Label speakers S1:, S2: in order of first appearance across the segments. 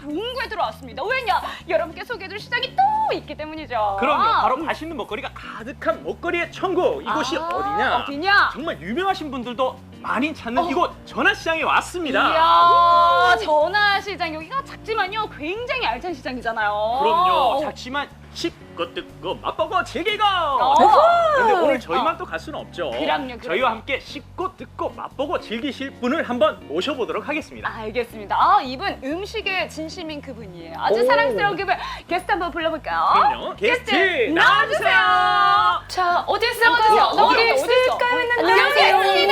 S1: 동구에 들어왔습니다. 왜냐? 여러분께 소개해줄 시장이 또 있기 때문이죠.
S2: 그럼요. 바로 맛있는 먹거리가 가득한 먹거리의 천국. 이곳이 어디냐?
S1: 어디냐?
S2: 정말 유명하신 분들도 많이 찾는 이곳 전화시장에 왔습니다.
S1: 이야, 전화시장 여기가 작지만요 굉장히 알찬 시장이잖아요.
S2: 그럼요. 작지만 씹고 뜯고 맛보고 즐기고. 근데 오늘 저희만 또 갈 수는 없죠.
S1: 그럼요.
S2: 저희와 함께 씹고 뜯고 맛보고 즐기실 분을 한번 모셔보도록 하겠습니다.
S1: 알겠습니다. 아, 이분 음식에 진심인 그분이에요. 아주 사랑스러운 그분. 게스트 한번 불러볼까요?
S2: 그럼요. 게스트 나와주세요.
S1: 자, 어디 있을까요? 어디 있을까요? 안녕하세요.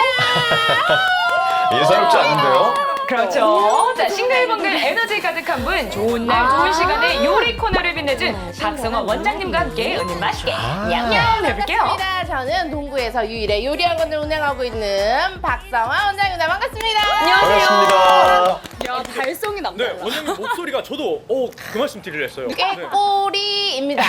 S3: 예사롭지 않은데요?
S1: 그렇죠. 자, 싱글벙글 에너지 가득한 분, 좋은 날 좋은 시간에 요리 코너를 빛내준 박성원 원장님과 함께 오늘 맛있게 냠냠 해볼게요.
S4: 반갑습니다. 저는 동구에서 유일의 요리 학원을 운영하고 있는 박성화 원장입니다. 반갑습니다.
S3: 반갑습니다.
S1: 야, 발성이
S2: 네,
S1: 남다르다.
S2: 원장님 목소리가 저도 그 말씀 드리려 했어요.
S4: 꾀꼬리입니다.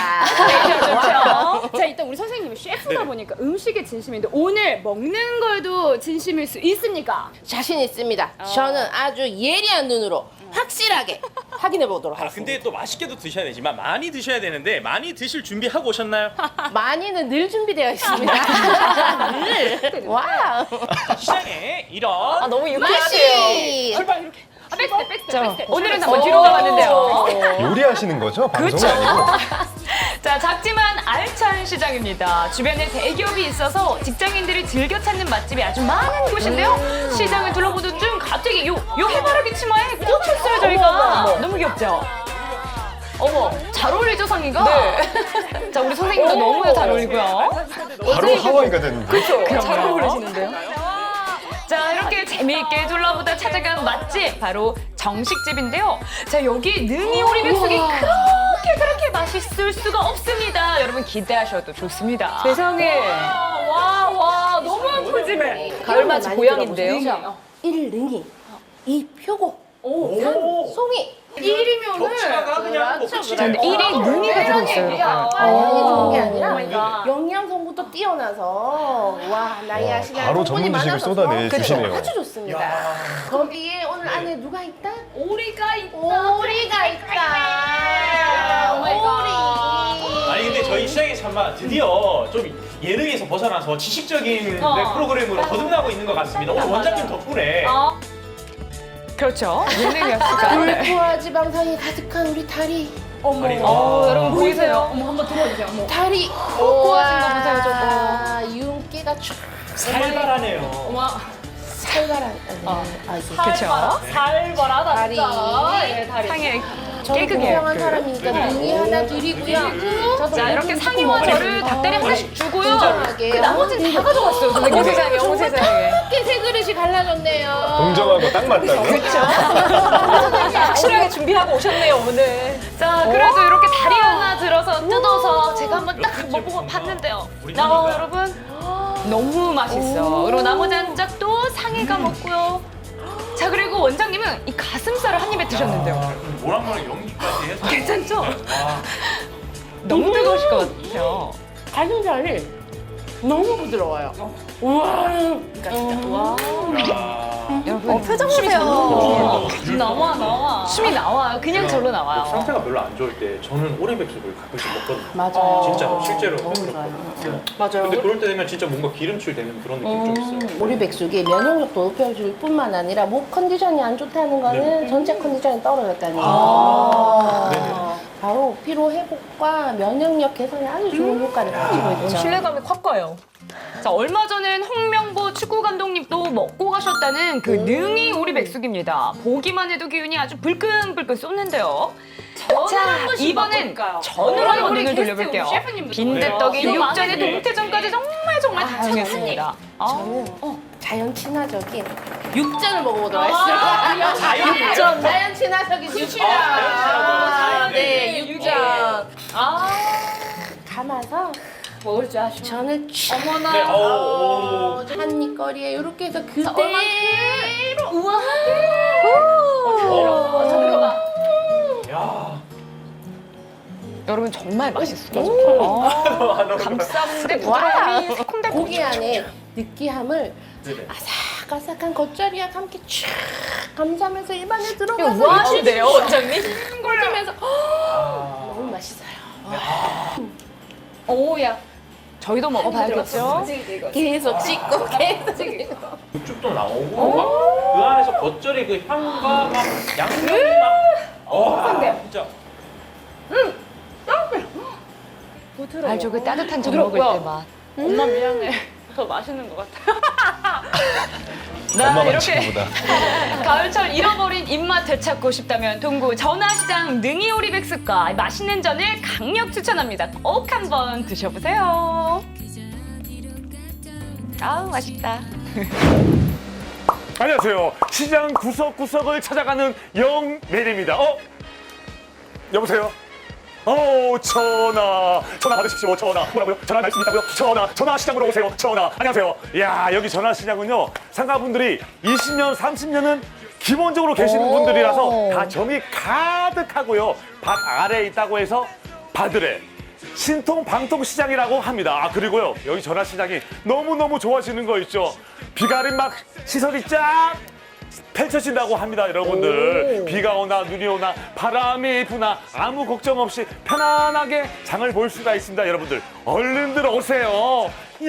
S1: 그렇죠. 자, 일단 우리 선생님이 셰프다
S2: 네.
S1: 보니까 음식에 진심인데 오늘 먹는 걸도 진심일 수 있습니까?
S4: 자신 있습니다. 저는 아주 예리한 눈으로 확실하게 확인해 보도록
S2: 아,
S4: 하겠습니다.
S2: 근데 또 맛있게도 드셔야 되지만 많이 드셔야 되는데 많이 드실 준비하고 오셨나요?
S4: 많이는 늘 준비되어 있습니다. 늘. 와우.
S2: 시장에 이런
S1: 너무
S4: 맛이.
S1: 백스텝. 오늘은 한번 뒤로 가봤는데요.
S3: 요리하시는 거죠? 방송이 아니고?
S1: 자, 작지만 알찬 시장입니다. 주변에 대기업이 있어서 직장인들이 즐겨 찾는 맛집이 아주 많은 곳인데요. 시장을 둘러보던 중 갑자기 요 해바라기 치마에 꽂혔어요, 저희가. 너무 귀엽죠? 어머, 잘 어울리죠, 상의가? 네. 자, 우리 선생님도 너무 잘 어울리고요.
S3: 바로 하와이가 되는데.
S1: 잘 어울리시는데요? 자, 이렇게 재미있게 둘러보다 찾아간 맛집 바로 정식집인데요. 자, 여기 능이 오리백숙이 그렇게 맛있을 수가 없습니다. 여러분 기대하셔도 좋습니다. 세상에. 와, 너무 푸짐해.
S4: 가을맞이 고향인데요. 1능이, 2 표고, 3 송이. 1이면은
S2: 겹치다가 그냥 뭐 끝이
S1: 근데 1위 능이가 들어있어요.
S4: 양이 좋은 게 아니라
S1: 마이갓.
S4: 영양성부터 뛰어나서 와 나이 아시나요?
S3: 바로 전문 지식을 쏟아내 주시네요.
S4: 아주 좋습니다. 거기에 오늘 안에 누가 있다?
S1: 오리가 있다.
S4: 오리가 있다. 오리.
S2: 아니 근데 저희 시장의 참마 드디어 좀 예능에서 벗어나서 지식적인 프로그램으로 거듭나고 있는 것 같습니다. 오늘 원장님 덕분에
S1: 그렇죠. 예능이었을까.
S4: 불포화 지방산이 가득한 우리 다리.
S1: 여러분 보이세요? 어머, 한번 들어주세요. 어머.
S4: 다리.
S1: 포화진 거 보세요, 저거.
S4: 윤기가 쫙
S2: 살벌하네요.
S4: 살벌한. 이게
S1: 그렇죠. 살벌하다
S4: 다리.
S1: 진짜. 상해
S4: 저는
S1: 깨끗해요.
S4: 공평한 사람이니까 능이 하나 드리고요. 저도
S1: 자, 이렇게 상의와 저를 닭다리 하나씩 주고요.
S4: 공정하게.
S1: 그 나머지는 다 가져갔어요, 선생님. 어머 세상에, 어머 세상에.
S4: 이렇게 세 그릇이 갈라졌네요.
S3: 공정하고 딱 맞다고.
S1: 확실하게 준비하고 오셨네요, 오늘. 자, 그래도 이렇게 다리 하나 들어서 뜯어서 제가 한번 딱 먹어보고 봤는데요. 여러분. 너무 맛있어. 그리고 나머지 한 짝 또 상의가 먹고요. 자, 그리고 원장님은 이 가슴살을 한 입에 드셨는데요.
S2: 모락모락 연기까지 해서
S1: 괜찮죠? 너무 뜨거우실 것 같아요.
S4: 가슴살이 너무 부드러워요. 우와.
S1: 여러분
S4: 표정
S1: 숨이
S4: 보세요.
S1: 절로 나와. 숨이 나와요. 그냥 절로 나와요.
S2: 상태가 별로 안 좋을 때 저는 오리백숙을 가끔씩 먹거든요.
S4: 맞아요.
S2: 진짜 실제로
S4: 너무
S2: 해봤거든요.
S4: 좋아요.
S2: 네.
S4: 맞아요.
S2: 근데 그럴 때 되면 진짜 뭔가 기름칠 되는 그런 느낌 좀 있어요.
S4: 오리백숙이 면역력도 높여줄 뿐만 아니라 목 컨디션이 안 좋다는 거는 전체 컨디션이 떨어졌다는 거예요.
S2: 네네.
S4: 바로 피로 회복과 면역력 개선에 아주 좋은 효과를 가지고 있죠.
S1: 신뢰감이 확 가요. 자, 얼마 전엔 홍명보 축구 감독님도 먹고 가셨다는 그 능이 오리백숙입니다. 보기만 해도 기운이 아주 불끈불끈 쏟는데요. 자, 이번엔 전으로 한번 눈을 돌려볼게요. 빈대떡이
S2: 네.
S1: 육전에 동태전까지 정말 다채롭습니다.
S4: 저는 자연 친화적인 육전을 먹어보도록 하겠습니다.
S2: 자연이에요?
S4: 자연 친화적인 육전. 네, 육전. 감아서
S1: 먹을 줄 아시죠?
S4: 전을 쫙
S2: 네,
S4: 한입거리에 이렇게 해서 그대로
S1: 우와.
S2: 야.
S1: 여러분 정말 맛있어요. 감싸는데 부드러움이 새콤달콤.
S4: 고기 안에 느끼함을
S2: 네네.
S4: 아삭아삭한 겉절이와 함께 쫙 감싸면서 입안에
S1: 이거
S4: 들어가서
S1: 뭐 하시대요, 원장님?
S4: 꽂으면서 너무 맛있어요.
S1: 오야. 저희도 먹어봐야겠죠?
S4: 계속 씻고 계속 씻고.
S2: 육즙도 나오고 막 그 안에서 겉절이 그 향과 막 양념이 막 진짜
S1: 알죠, 그 따뜻한 전 먹을 때 맛.
S5: 엄마 미안해. 더 맛있는 것 같아.
S3: 엄마
S1: 이렇게
S3: 맛친구보다.
S1: 가을철 잃어버린 입맛 되찾고 싶다면 동구 전화시장 능이오리백숙과 맛있는 전을 강력 추천합니다. 꼭 한번 드셔보세요. 아우 맛있다.
S6: 안녕하세요. 시장 구석구석을 찾아가는 영맨입니다. 여보세요? 전화 받으십시오. 전화. 뭐라고요? 전화 말씀 있다고요? 전화 시장으로 오세요. 전화. 안녕하세요. 이야, 여기 전화 시장은요. 상가분들이 20년, 30년은 기본적으로 계시는 분들이라서 다 정이 가득하고요. 밭 아래에 있다고 해서 밭을에 신통방통 시장이라고 합니다. 그리고요, 여기 전화 시장이 너무너무 좋아지는 거 있죠. 비가림 막 시설이 쫙 펼쳐진다고 합니다, 여러분들. 비가 오나 눈이 오나 바람이 부나 아무 걱정 없이 편안하게 장을 볼 수가 있습니다, 여러분들. 얼른들 오세요.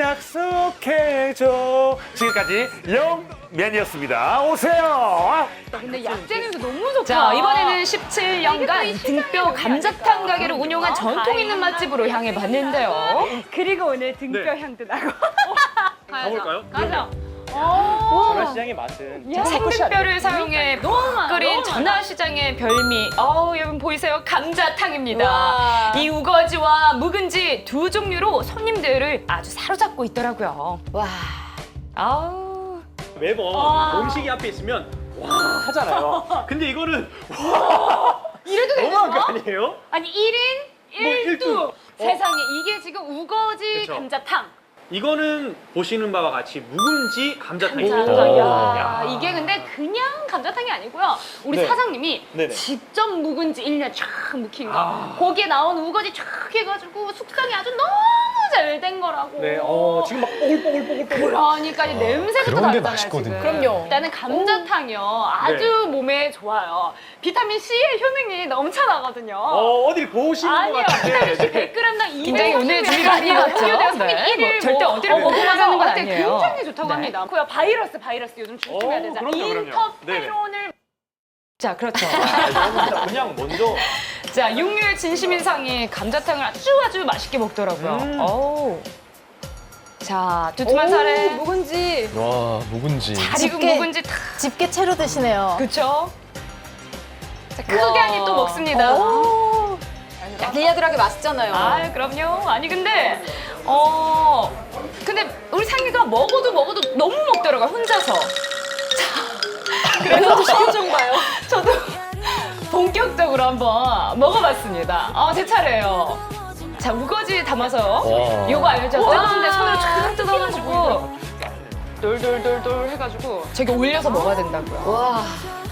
S6: 약속해줘. 지금까지 영맨이었습니다. 오세요.
S5: 근데 약재 냄새 너무 좋다.
S1: 자, 이번에는 17년간 등뼈 감자탕 가게를 운영한 전통 있는 맛집으로 향해 봤는데요.
S5: 그리고 오늘 등뼈
S2: 네.
S5: 향도 나고.
S2: 가볼까요?
S5: 가자.
S2: 전화시장의 맛은
S1: 생등뼈를 사용해 끓인 전화시장의 별미. 여러분 보이세요? 감자탕입니다. 이 우거지와 묵은지 두 종류로 손님들을 아주 사로잡고 있더라고요.
S4: 와.
S1: 아우.
S2: 매번 음식이 앞에 있으면 와 하잖아요. 근데 이거는 와
S5: 이래도
S2: 너무한 거
S5: 되는 거?
S2: 아니에요?
S5: 아니 1인 1두.
S2: 일두.
S5: 세상에 이게 지금 우거지
S2: 그쵸.
S5: 감자탕.
S2: 이거는 보시는 바와 같이 묵은지 감자탕입니다.
S5: 감자탕. 야,
S2: 야.
S5: 이게 근데 그냥 감자탕이 아니고요. 우리
S2: 네.
S5: 사장님이
S2: 네네.
S5: 직접 묵은지 1년 쫙 묵힌 거.
S2: 아.
S5: 거기에 나온 우거지 쫙 해가지고 숙성이 아주 너무 잘 된 거라고.
S2: 네, 지금 막 뽀글뽀글뽀글.
S5: 그러니까 이 냄새부터
S3: 그런 게
S5: 다르잖아요,
S3: 맛있거든요.
S5: 지금.
S4: 그럼요.
S5: 일단은 감자탕이요. 아주 몸에 좋아요. 비타민 C의 효능이 넘쳐나거든요.
S2: 어딜 보시는 것
S5: 아니요.
S2: 같은데.
S5: 비타민 C 100g당 200.
S1: 굉장히 오늘 준비가 많이 왔죠? 네. 뭐 절대 어디를 먹으면 하는 건 아니에요.
S5: 굉장히 좋다고
S1: 네.
S5: 합니다. 그야 바이러스 요즘 조심해야 되잖아요.
S2: 그럼요.
S5: 인터페론을
S1: 자, 그렇죠.
S2: 진짜 그냥 먼저
S1: 자, 육류의 진심인상이 감자탕을 아주 맛있게 먹더라고요. 어우. 자, 두툼한 살에
S5: 묵은지.
S3: 와, 묵은지.
S1: 잘 익은
S7: 집게.
S1: 묵은지 탁.
S7: 집게 채로 드시네요.
S1: 그쵸? 자, 크게 한 입 또 먹습니다.
S5: 야들야들하게 맛있잖아요.
S1: 그럼요. 아니, 근데, 근데 우리 상이가 먹어도 너무 먹더라고요, 혼자서. 자, 그래서
S5: 시켜준 봐요.
S1: 저도 본격적으로 한번 먹어봤습니다. 제 차례예요. 자, 우거지 담아서
S3: 와.
S1: 이거 알죠? 뜨거운데 손으로
S5: 와.
S1: 쫙 뜯어가지고 돌돌돌돌 해가지고 저기 올려서 먹어야 된다고요.
S7: 와.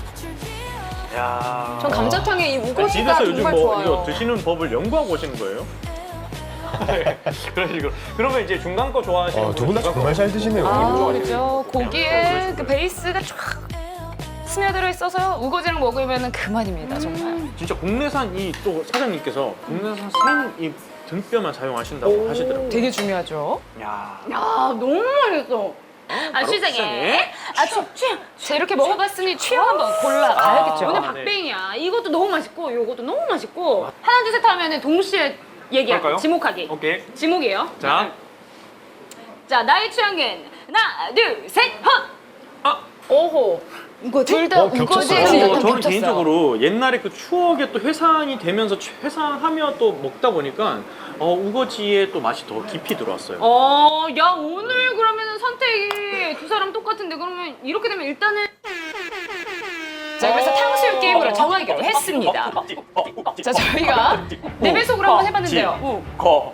S2: 야.
S5: 전 감자탕에 이 우거지가
S2: 집에서 요즘
S5: 정말
S2: 뭐
S5: 좋아요.
S2: 이거 드시는 법을 연구하고 오시는 거예요? 네, 그런 식으로. 그러면 이제 중간 거 좋아하시는
S3: 두 분 다
S2: 중간
S3: 정말
S2: 거.
S3: 잘 드시네요.
S1: 그렇죠. 고기에 그 베이스가 쫙 스며들어 있어서 우거지랑 먹으면 그만입니다, 정말.
S2: 진짜 국내산 이 또 사장님께서 국내산 생 이 등뼈만 사용하신다고 하시더라고요.
S1: 되게 중요하죠.
S2: 야.
S5: 야, 너무 맛있어. 시장에.
S1: 자, 이렇게 먹어봤으니 취향 한번 골라가야겠죠.
S5: 오늘
S2: 네.
S5: 박빙이야. 이것도 너무 맛있고, 이것도 너무 맛있고. 하나, 둘, 셋 하면은 동시에 얘기할게요.
S2: 그럴까요?
S5: 지목하기.
S2: 오케이.
S5: 지목이에요.
S2: 자.
S5: 자, 나의 취향은 하나, 둘, 셋, 헛!
S1: 오호. 둘 다
S3: 겹쳤어요.
S1: 우거지에
S3: 겹쳤어요.
S2: 저는 개인적으로 옛날에 그 추억에 또 회상이 되면서 회상하며 또 먹다 보니까 우거지에 또 맛이 더 깊이 들어왔어요.
S5: 야, 오늘 그러면은 선택이 두 사람 똑같은데, 그러면 이렇게 되면 일단은.
S1: 자, 그래서 탕수육 게임으로 정하기로 했습니다. 자, 저희가 네 배속으로 한번 해봤는데요.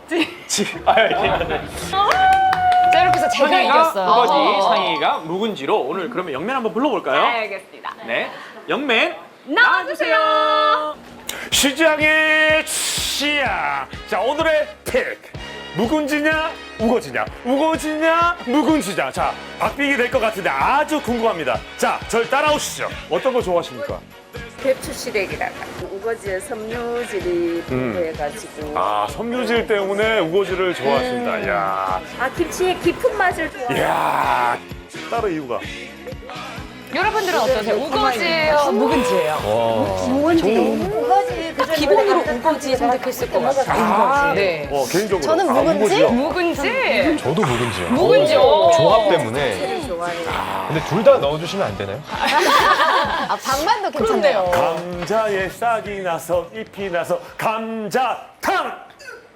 S1: 자, 이렇게 해서 제가 이겼어요.
S2: 우거지, 상희가 묵은지로 오늘 그러면 영맨 한번 불러볼까요?
S5: 알겠습니다.
S2: 네. 영맨
S5: 나와주세요.
S6: 시장의 취향. 자, 오늘의 픽. 묵은지냐, 우거지냐? 우거지냐? 묵은지냐? 자, 박빙이 될 것 같은데 아주 궁금합니다. 자, 절 따라오시죠. 어떤 거 좋아하십니까?
S7: 배추시래기라가 우거지에 섬유질이 풍부해가지고
S6: 아, 섬유질 때문에 우거지를 좋아하신다. 이야.
S7: 김치의 깊은 맛을 좋아해요.
S6: 이야. 따로 이유가.
S1: 여러분들은 어떠세요? 우거지예요? 묵은지예요?
S4: 우거지
S1: 딱 기본으로 우거지 선택했을 것 같아요. 네.
S6: 개인적으로.
S4: 저는 묵은지?
S6: 우거지요?
S1: 묵은지?
S3: 저도 묵은지요.
S1: 묵은지요?
S3: 조합 때문에.
S7: 좋아해요.
S3: 근데 둘 다 넣어주시면 안 되나요?
S4: 아, 방만도 괜찮네요.
S6: 감자에 싹이 나서 잎이 나서 감자탕!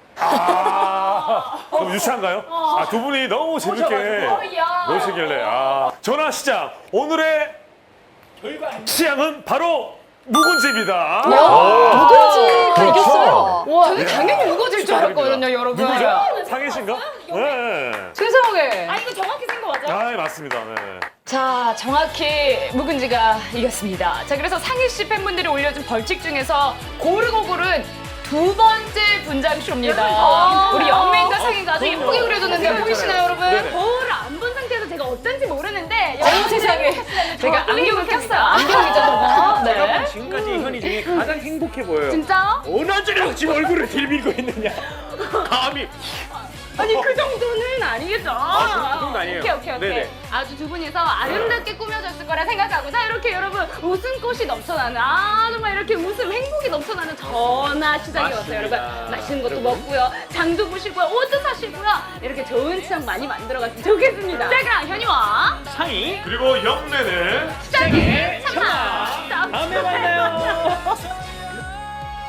S6: 아, 좀 유치한가요? 아, 두 분이 너무 재밌게 노시길래. 아, 전화시장 오늘의 시장은 바로 묵은지입니다.
S1: 묵은지가
S3: 그렇죠.
S1: 이겼어요? 와, 저는 당연히 우거지일 줄 알았거든요, 여러분.
S6: 누구죠? 상혜신가? 네.
S1: 세상에.
S5: 이거 정확히 생각 맞아?
S6: 아, 맞습니다. 네.
S1: 자, 정확히 묵은지가 이겼습니다. 자, 그래서 상희 씨 팬분들이 올려준 벌칙 중에서 고르고 고른 두 번째 분장쇼입니다. 우리 영맨과 상희가 아주 예쁘게 그려줬는데 보이시나요, 여러분?
S5: 거울을 안 본 상태에서 제가 어떤지 모르는데
S1: 어머 세상에. 제가 안경을 꼈어요. 안경이죠, 저거. 네.
S2: 지금까지 현이 중에 가장 행복해 보여요.
S5: 진짜?
S2: 어느지로 지금 얼굴을 들밀고 있느냐. 감히.
S5: 아니 그 정도는 아니겠죠?
S2: 그 정도 아니에요.
S5: 오케이.
S2: 네네.
S5: 아주 두 분이서 아름답게 꾸며졌을 거라 생각하고 자 이렇게 여러분 웃음꽃이 넘쳐나는 정말 이렇게 웃음 행복이 넘쳐나는 전화시장이 왔어요 여러분. 맛있는 것도 먹고요 장도 보시고요 옷도 사시고요 이렇게 좋은 추억 많이 만들어갔으면 좋겠습니다. 자 그럼 현이와
S2: 상이
S6: 그리고 영래는
S5: 시장의 참나
S2: 다음에 만나요.